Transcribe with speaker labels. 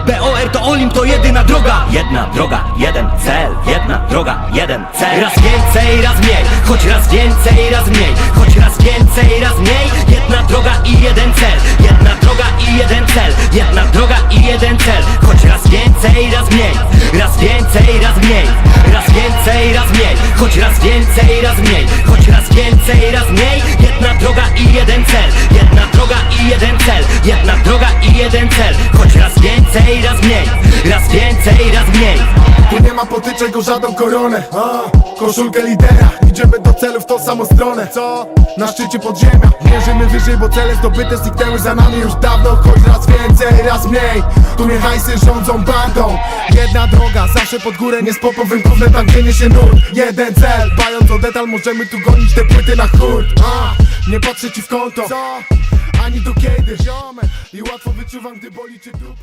Speaker 1: BOR to Olimp, to jedyna droga. Jedna droga, jeden cel. Jedna droga, jeden cel. Raz więcej, raz mniej. Choć raz więcej, raz mniej. Choć raz więcej, raz mniej. Jedna droga i jeden cel. Jedna droga i jeden cel. Jedna droga i jeden cel. Choć raz więcej, raz mniej. Raz więcej, raz mniej. Raz więcej, raz mniej. Choć raz więcej, raz mniej. Choć raz więcej, raz mniej. Jedna droga i jeden cel. Jedna droga i jeden cel. Jedna droga i jeden cel. Choć raz więcej, raz mniej. Raz więcej, raz mniej.
Speaker 2: Tu nie ma potyczek o żadną koronę, koszulkę lidera. Idziemy do celu w tą samą stronę, co? Na szczycie podziemia. Mierzymy wyżej, bo cele zdobyte zniknęły za nami już dawno. Choć raz więcej, raz mniej. Tu nie hajsy rządzą bandą. Jedna droga, zawsze pod górę. Nie z popowym gównem, tam gdzie niesie nurt. Jeden cel, dbając o detal możemy tu gonić te płyty na hurt. Nie patrzę ci w konto, co? Ani do kiedy, ziomek. I łatwo wyczuwam, gdy boli cię dupa.